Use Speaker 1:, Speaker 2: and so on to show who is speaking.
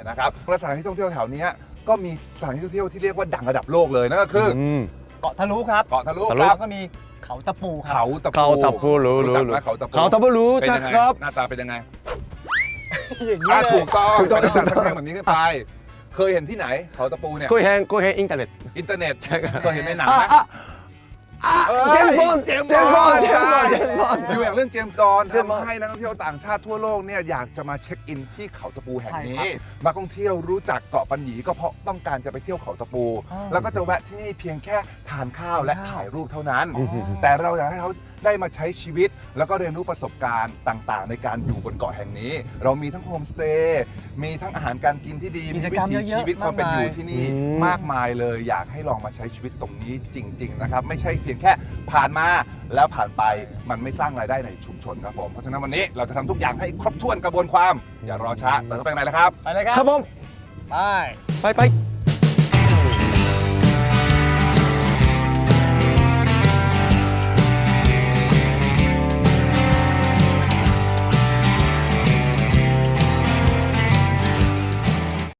Speaker 1: นะครับและสถานที่ท่องเที่ยวแถวนี้ก็มีสถานที่ท่องเที่ยวที่เรียกว่าดังระดับโลกเลยนั่นก็คือ
Speaker 2: เกาะทะลุครับ
Speaker 1: เกาะทะลุ
Speaker 2: แล้วก็มีเขาตะปูครับ
Speaker 1: เขาตะปู
Speaker 3: เขาตะปูรู้
Speaker 1: จักไหมเขาตะปู
Speaker 3: เขาตะปูรู้จักครับ
Speaker 1: หน้าตาเป็นยังไง
Speaker 2: อย่างนี้เลย
Speaker 1: ถูกต้อง
Speaker 3: ถูกต้อง
Speaker 1: จัดแข่งแบบนี้ขึ้นไปเคยเห็นที่ไหนเขาตะปูเนี่ย
Speaker 3: ก็เห็นอินเทอร์เน็ต
Speaker 1: อินเทอร์เน็ตเคยเห็นในหนัง
Speaker 3: อ่ะ
Speaker 1: ไหม
Speaker 3: อ่ะอ่ะเจมส์บอนด์
Speaker 1: เจมส์บอนด์ อยู่อย่างเรื่องเจมส์บอนด์
Speaker 3: เจมส์บอนด์
Speaker 1: ทำให้นักท่องเที่ยวต่างชาติทั่วโลกเนี่ยอยากจะมาเช็คอินที่เขาตะปูแห่งนี้
Speaker 2: ใช่ครั
Speaker 1: มาท่องเที่ยวรู้จักเกาะปัญญีก็เพราะต้องการจะไปเที่ยวเขาตะปู แล้วก็จะแวะที่นี่เพียงแค่ทานข้าวและถ่ายรูปเท่านั้น แต่เราอยากให้เขาได้มาใช้ชีวิต แล้วก็เรียนรู้ประสบการณ์ต่างๆ ในการอยู่บนเกาะแห่งนี้ เรามีทั้งโฮมสเตย์มีทั้งอาหารการกินที่ดี
Speaker 2: กิจกรรม
Speaker 1: วิถี
Speaker 2: เยอะๆ
Speaker 1: ชีวิตความเป็นอยู่ที่นี่
Speaker 3: อืม
Speaker 1: มากมายเลย อยากให้ลองมาใช้ชีวิตตรงนี้จริง ๆ นะครับ ไม่ใช่เพียงแค่ผ่านมาแล้วผ่านไปมันไม่สร้างรายได้ในชุมชนครับผมเพราะฉะนั้นวันนี้เราจะทำทุกอย่างให้ครบถ้วนกระบวนความอย่ารอช้าเติมเข้าไปข้างในแล้วครับ
Speaker 2: ไปเลยครับ
Speaker 3: ครับผม
Speaker 2: ไป
Speaker 3: ไป